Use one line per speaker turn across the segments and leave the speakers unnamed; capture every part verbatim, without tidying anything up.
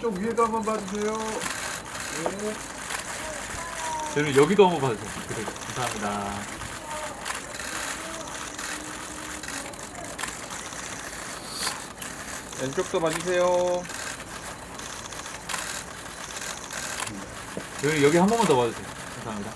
왼쪽 위에도 한번 봐주세요. 네.
저는 여기도 한번 봐주세요. 그래, 감사합니다.
왼쪽도 봐주세요.
여기, 여기 한 번만 더 봐주세요. 감사합니다.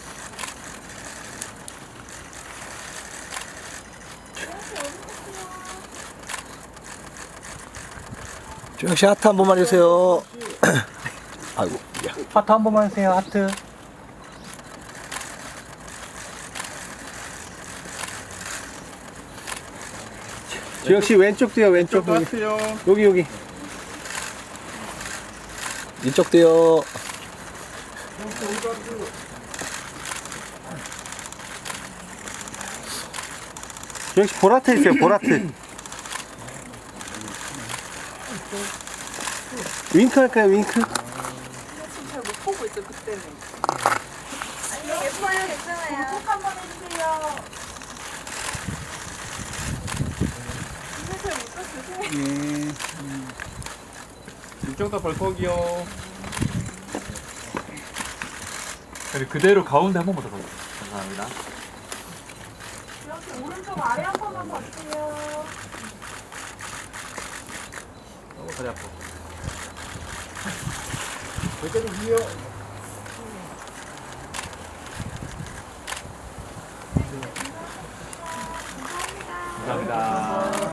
주영 씨 하트 한 번만 해주세요. 아이고, 야.
하트 한 번만 해주세요. 하트. 주영 씨 왼쪽도요. 왼쪽
왼쪽도
여기
하세요.
여기 여기.
이쪽도요.
주영 씨 보라트 있어요. 보라트. 윙크 할까요? 윙크?
지금 잘 못 보고 있어 그때는. 아니 예뻐요 괜찮아요. 꼭 한번 해주세요. 이거 잘못 봤어.
네. 이쪽도 벌컥이요.
그리고 그대로 가운데 한 번만 더 봐주세요. 감사합니다.
이렇게 오른쪽 아래 한 번만 봐주세요.
너무 다리 아파. 여기도 위요.
감사합니다.